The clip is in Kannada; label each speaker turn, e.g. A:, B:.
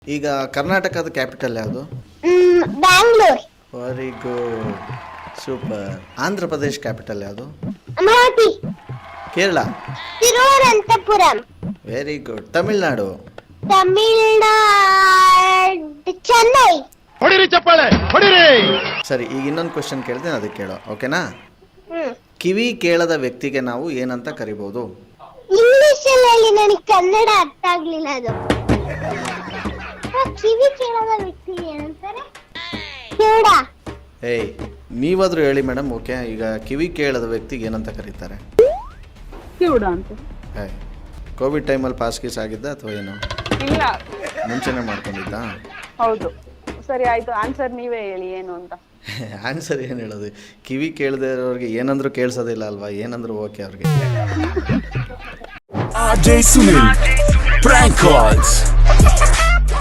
A: ಈಗ ಕರ್ನಾಟಕದ ಕ್ಯಾಪಿಟಲ್ ಯಾವುದು?
B: Bangalore.
A: Very good, super. Andhra Pradesh capital ಯಾವುದು?
B: ಅಮರಾವತಿ.
A: ಕೇರಳ?
B: ತಿರುವನಂತಪುರಂ.
A: Very good. ತಮಿಳ್ನಾಡು?
B: ತಮಿಳ್ನಾಡು ಚೆನ್ನೈ.
C: ಹೊಡಿರಿ ಚಪ್ಪಾಳೆ ಹೊಡಿರಿ.
A: ಸರಿ, ಈಗ ಇನ್ನೊಂದು ಕ್ವಶನ್ ಕೇಳ್ತೇನೆ, ಅದಕ್ಕೆ ಕೇಳೋ, ಓಕೆನಾ? ಕಿವಿ ಕೇಳದ ವ್ಯಕ್ತಿಗೆ ನಾವು ಏನಂತ ಕರಿಬಹುದು?
B: ಇಂಗ್ಲಿಷ್ ಅಲ್ಲಿ ನನಗೆ ಕನ್ನಡ ಅರ್ಥ ಆಗ್ಲಿಲ್ಲ. ಅದು ಕಿವಿ ಕೇಳದ ವ್ಯಕ್ತಿಗೆ ಏನಂತಾರೆ? ಕಿವುಡ.
A: ಏಯ್, ನೀವಾದ್ರೂ ಹೇಳಿ ಮೇಡಮ್. ಓಕೆ, ಈಗ ಕಿವಿ ಕೇಳದ ವ್ಯಕ್ತಿಗೆ ಏನಂತ ಕರೀತಾರೆ?
D: ಕಿವುಡ ಅಂತ.
A: ಏಯ್, ಕೋವಿಡ್ ಟೈಮಲ್ಲಿ ಪಾಸ್ ಗೀಸ್ ಆಗಿದ್ದ ಅಥವಾ ಏನು?
D: ಇಲ್ಲ,
A: ಮುಂಚೆನೇ ಮಾಡ್ಕೊಂಡಿದ್ದ?
D: ಹೌದು. ಸರಿ ಆಯ್ತು, ಆನ್ಸರ್ ನೀವೇ ಹೇಳಿ ಏನು ಅಂತ.
A: ಆನ್ಸರ್ ಏನು ಹೇಳೋದು? ಕಿವಿ ಕೇಳದೆ ಇರೋರಿಗೆ ಏನಂದ್ರೂ ಕೇಳಿಸೋದಿಲ್ಲ ಅಲ್ವಾ? ಏನಂದ್ರೂ ಓಕೆ ಅವ್ರಿಗೆ.
E: RJ Sunil, prank calls.